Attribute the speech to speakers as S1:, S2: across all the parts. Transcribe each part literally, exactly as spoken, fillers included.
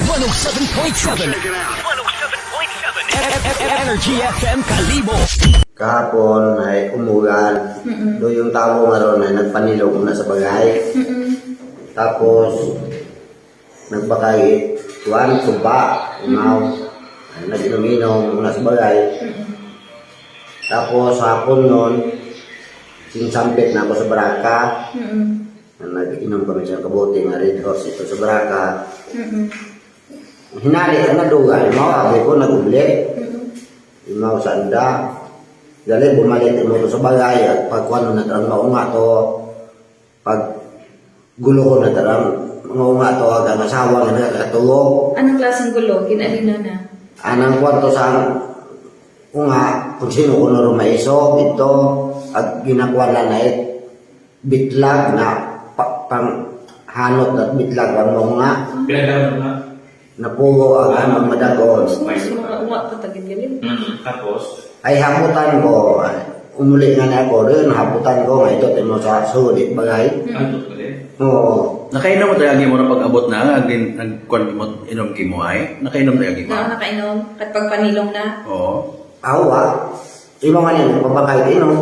S1: one oh seven point seven. one oh seven point seven. Energy F M Kalibo.
S2: Kahapon ay umulan.
S3: Mm-mm.
S2: Do yung tao nga ron ay nagpanilog na sa bagay.
S3: Mm-mm.
S2: Tapos nagbakay tuwan, tuba, umaw. Ay, nag-inom-inom na sa bagay.
S3: Mm-mm.
S2: Tapos hapon nun, sinsampit na ako sa baraka.
S3: Mm-mm.
S2: Nag-inom kami sa kabuti nga Red Horse ito sa baraka.
S3: Mm-mm.
S2: Hinali ka na duga, imaw, abi ko nag-uli.
S3: Mm-mm.
S2: Imaw sa anda. Dali, bumalik mo to sa bagay at pag kung ano na tarang maunga to, pag gulo ko na tarang maunga to, hanggang asawa nga nakakatulog.
S3: Anong klaseng gulo? Kinalina na.
S2: Anang kwarto sa unga, kung sino ko na rumaiso, ito, at ginakuha na na it, bitlag na pa, pang hanot at bitlag ang maunga,
S4: Pinagdaman na.
S2: napugo ang amang madagon.
S3: Mas mga uwa pa tagin galing.
S4: Mm. Tapos,
S2: Ay haputan ko, ay, umuli nga na ako rin, haputan ko nga ito, timo sa sulit bagay.
S4: ano ito ulit?
S2: Oo.
S5: Nakainom mo tayo mo na pag-abot na, agin nagkuan mo inom kimo ay. Nakainom tayo mo.
S3: Na nakainom. At pagpanilong na.
S5: Oo.
S2: Awa, imo nga niyan, papakay ino.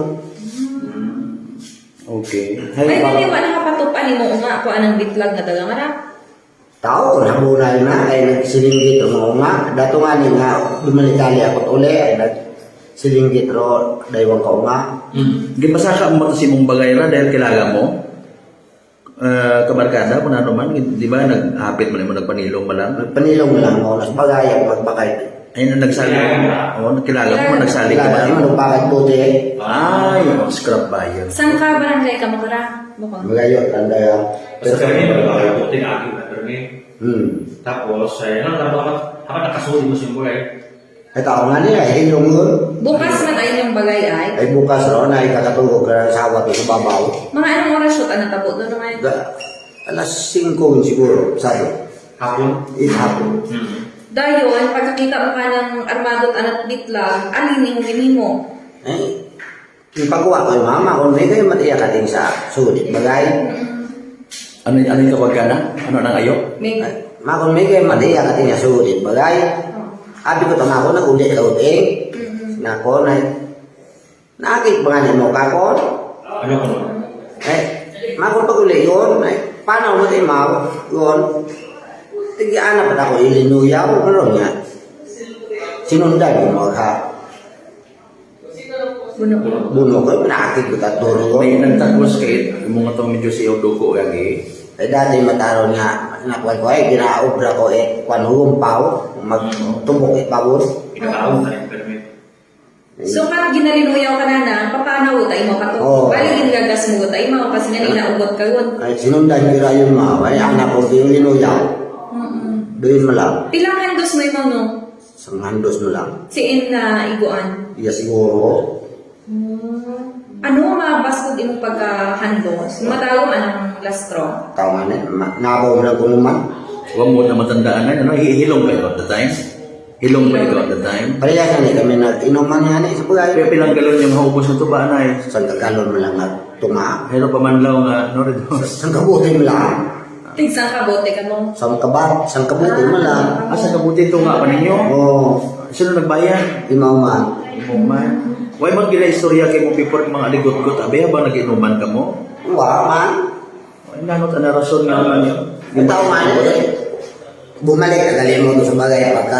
S5: Okay.
S3: Ay,
S2: Hay,
S3: hindi
S2: pa,
S3: ba nakapatupan mo nga ako anang bitlag na dagang ara?
S2: tao, nabunay na, ay nagsilinggit o mga nga. Dato nga ni nga, dumalidali ako uli, ay nagsilinggit ro, daywang ka nga.
S4: Mm.
S5: Gipasa ka mo si mong bagay ra dahil kilala mo. Uh, kabarkada kung ano man, di ba naghapit mo na mo nagpanilong mo lang.
S2: Nagpanilong lang ako, nas bagay ang magbakay.
S5: Ay na nagsali. Oo, kilala mo nagsali ka ba?
S2: Kaya naman, bakit buti eh.
S5: Ay, oh, scrap buyer.
S3: Saan ka barangay ka makara? Bukong.
S2: Magayot, tanda yan.
S4: Basta kami, magkakabuti na aking natarmi.
S2: Hmm.
S4: Tapos, ay, ano, tapos, habang nakasuli mo siya mo ay,
S2: Ay tao nga niya, ay hilong yun.
S3: Bukas man ay yung bagay ay.
S2: Ay bukas ron, ay kakatulog ka ng sawa to sa babaw.
S3: Mga anong oras shoot ang natabo doon naman?
S2: Da, alas singko siguro, sabi.
S4: hapon.
S2: Ihapon.
S4: Mm.
S3: Dayon, pagkakita mo ka ng armadot anak bitlag, alin yung gini mo?
S2: Eh, yung pagkuha ko yung mama, kung may kayo matiyak ating sa sulit bagay.
S5: Ano ano yung kabarkada? Ano nang ayo?
S3: May...
S2: Ay, ma, kung may kayo matiyak ating sa sulit bagay. Abi ko tama ko, nag-ulit ka uting. Na ko, na, nakakit ba nga mo ka ko?
S4: Ano ko no?
S2: Eh, ma, kung pag-uli yun, ay, paano mo tayo ma, yun? Tigiana pa ako ilinuyaw, ano niya? Sinundan ko mo ka.
S3: Buno ko.
S2: Buno ko, nakakit ko taturo ko.
S5: May nagtagos kay mo nga to medyo si Oduko lagi.
S2: Eh dati mataron nga, nakuha ko eh, ginaobra ko eh, kwan humpaw, magtubok eh pawon.
S4: Pinatawag na yung permit.
S3: So, kat ginalinuyaw ka na na, paano utay mo ka to?
S2: Oo.
S3: Bali, ginigagas mo utay mo, kasi nga ninaugot ka yun.
S2: Ay sinundan ko rin yung mga, ay anak ko yung linuyaw,
S3: Mm-mm.
S2: doon mo lang,
S3: Pilang handos mo yung no?
S2: isang handos mo lang.
S3: Siin na iguan.
S2: Iya siguro,
S3: Ano ang mga baskog imong pagka-handos? Matawag anong lastro?
S2: tao nga na, ma- nabaw mo lang kung naman.
S5: Huwag mo na matandaan na, ano, hilong kayo at the time? Hilong ba ikaw at the time?
S2: Parehas na kami nag-inuman nga na sa
S5: Kaya
S2: bagay.
S5: pilang galon yung haubos ng tuba na eh.
S2: Isang tagalon mo lang na tuma.
S5: Pero pamanlaw nga, no, rin.
S2: Isang kabuti mo lang.
S3: Tigsang kabote ka mo.
S2: Isang kabat, isang kabuti mo lang.
S5: Asa kabuti ito nga pa ninyo?
S2: Oo,
S5: Sino nagbayad?
S2: imaw man.
S5: Imo man. Why man gila istorya kay mo before mga aligot-got? Abe, ba nag-inuman ka mo?
S2: Uwa man.
S5: Ay, nanot na rason nga naman yun.
S2: Yung tao man eh. Bumalik ka dali mo doon sa bagay pagka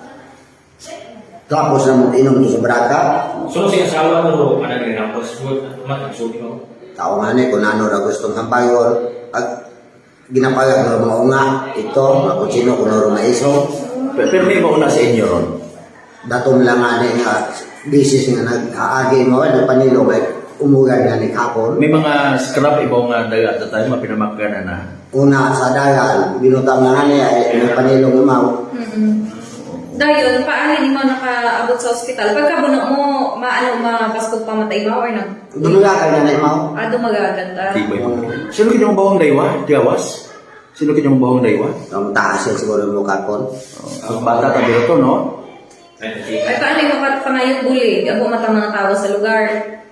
S2: tapos na mo inom doon sa baraka.
S4: So, siya asawa mo, ano rin ako, matagsubi mo.
S2: Tao nga ni kung ano na gustong hampayon. Pag ginapagag ng mga unga, ito, kung sino kung ano maiso.
S5: Pero, pero may mauna sa inyo ron.
S2: Datom lang nga ni nga bisis nga nag-aagi mo, nagpanilo may umugan nga ni kapon.
S5: May mga scrap ibaw nga daga at the time, mapinamakgan na na.
S2: Una sa dagal, binutang na nga niya, eh, may panilong umaw.
S3: Mm-mm. Dayon, paano hindi mo nakaabot sa ospital? Pagkabuno mo, maano mga baskog pamatay ba or nag...
S2: Dumulakay na na imaw.
S3: Ah, dumagaganda.
S5: Di ba yun? Sino kanyang bawang daywa? Tiawas? Sino kanyang bawang daywa?
S2: Ang taas yan siguro mo kapon.
S5: Ang bata tabi ito, no?
S3: Ay, paano yung mga pangayot buli? Abo matang mga tao sa lugar.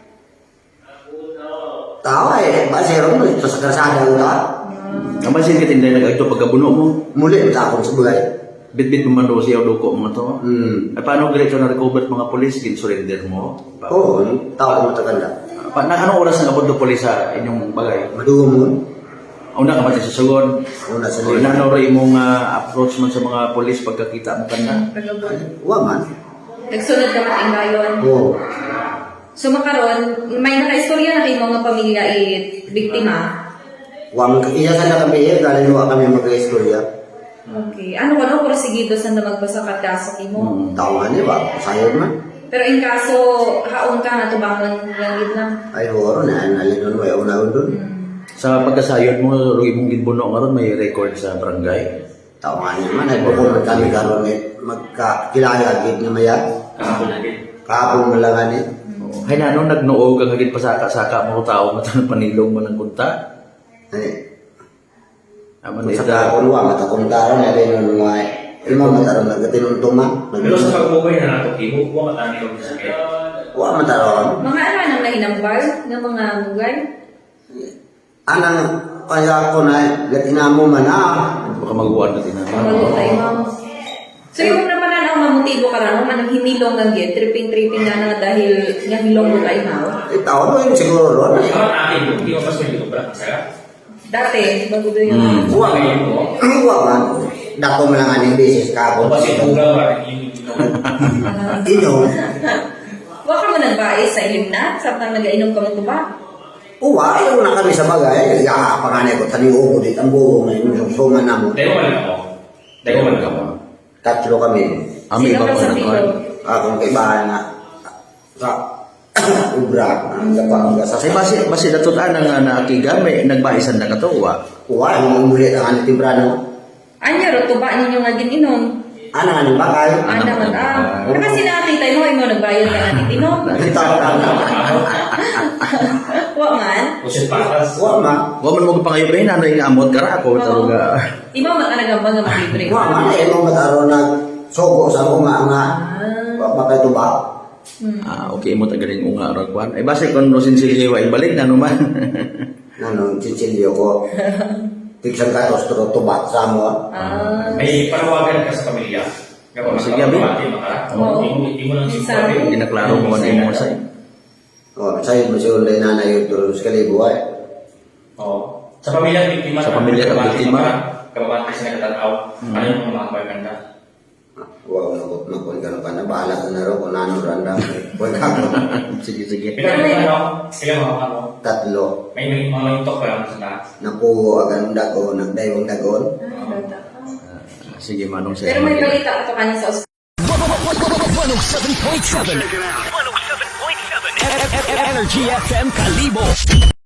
S2: Tao eh, basero mo, ito sa karsada ko na.
S5: Ang masin ka tinday nag-ito pagkabuno mo.
S2: Muli, takong sa bulay.
S5: Bit-bit mo man daw siya o duko mga to.
S2: Hmm.
S5: Ay, paano diretso na recover mga polis? Gin-surrender mo? Pa-
S2: Oo, tao ko mataganda.
S5: Pa, na, anong oras na abot do polis sa inyong bagay?
S2: Madugo mo.
S5: Una ka ba sa sugod?
S2: Una sa
S5: So,
S2: nila.
S5: inano rin imong ah, approach man sa mga polis pagkakita mo kanda?
S3: Pagabon.
S2: Wa man.
S3: Nagsunod ka mating gayon.
S2: Oo.
S3: So makaron, may naka-istorya na kayo mga pamilya eh, biktima.
S2: Wa man. Iya sa na kami, eh, galing wa kami mag-istorya.
S3: Okay. Ano ko no, prosigido sa na magbasa ka kaso mo.
S5: Hmm.
S2: Tao nga niya ba? Sayod man.
S3: Pero in kaso, haon ka na tubangan ng gid lang.
S2: Ay, horo na. Nalinon mo. Ayaw na doon.
S5: Sa pagkasayod mo, ro imong ginbuno nga ron, may record sa barangay.
S2: Tao nga niya man. Ay, bukod man kami karoon eh. Magkakilala gid na maya.
S4: Kahapon lagi.
S2: Kapong malangan eh.
S5: Hay na, nung nagnuog ang hagit pasaka-saka mo tao mo tanong panilong mo ng kunta.
S2: Ay,
S5: Aman
S2: sa
S5: ita.
S2: kapon wa. Matakong karoon na rin nun nga. Ilma mataroon na gatinuntuman.
S4: Pero sa pagbuhay na nato, imo ko matani og sakit.
S2: Wa mataroon.
S3: Mga ano nang nahinambal ng mga mugay?
S2: Anang kaya ko na gatinamo man ah.
S5: Baka maguwan ka tinama.
S3: Kabalo tayo ma'am. So yung naman na ang mamutibo ka na, man ang hinilong ng gid, tripping-tripping na na dahil nga hilong mo tayo mao.
S2: Itaw mo yun siguro ron.
S4: Ikaw ang akin, hindi mo pas may ko ba sa.
S3: Dati, bago doon
S5: Hmm.
S3: yung...
S2: Wa
S4: Ngayon mo.
S2: Wa man. Dako mo lang aning beses
S4: O
S2: kapon.
S4: kasi buga ba yung
S2: Ino.
S3: Wa ka mo nagbais sa ilim na, sabtang nag-ainom ka mo tuba.
S2: Uwa, ayaw na kami sa bagay. Ya, panganay ko tani ugo dit ang buo na yung susuman na mo.
S4: Dahil man ako. Dahil man ako.
S2: Tatlo kami.
S5: Ami
S3: Sino
S5: ba
S3: ka
S5: ko
S3: sa
S5: na
S3: pilo?
S2: Akong kaibahan na sa ubra. Ang gapa sa
S5: Say basi basi datutan nga naakiga may nagbaisan na kato wa.
S2: Uwa, yung umulit ang aning timbrano.
S3: Anya ro tuba ninyo nga gininom.
S2: Anang aning bakay.
S3: Ana man ah. Kasi nakakita mo imo nagbayad ka na titinom.
S2: Nakita ko na.
S3: Wa man.
S4: Usit patas.
S2: Uwa ma.
S5: Wa man mo pangayo ba nanay nga amot kara ako taruga.
S3: Imo man talaga ba nga maglibre?
S2: Uwa ma, eh, mo mataro na sogo sa unga nga. Bakay tuba.
S5: Ah, okay mo tagaling unga ra kwan. Ay basi kon no sinsilye wa ibalik na naman.
S2: Nanong chichilyo ko. Tigsang katos turo tuba sa mo.
S3: Ah.
S4: May panawagan ka sa pamilya. Kapag
S5: Sige, Abi.
S3: Oo.
S4: Imo imo lang
S3: Sabi.
S4: sinabi.
S5: Ginaklaro mo man imo say.
S2: O, sa'yo mo siya ulit nanay yung turo sa kalibo ay.
S4: Oo. Sa pamilya ng biktima.
S5: Sa pamilya ng biktima.
S4: Kababati sa nagtatanaw. Ano yung mga pagkanda?
S2: Huwag mo nakot na kung gano'n ka na. Bahala ka na rin kung ano randa. Huwag ka ko.
S5: Sige sige.
S4: Pila mga ano? Pila mga ano?
S2: Tatlo.
S4: May may mga lintok pa lang sa
S2: Nakuha agad ng dagon. Nagdaywang dagon.
S5: Sige manong say.
S3: Pero may balita ka to kanya sa ospital.
S1: one oh seven point seven. one oh seven point seven. Energy F M Kalibo.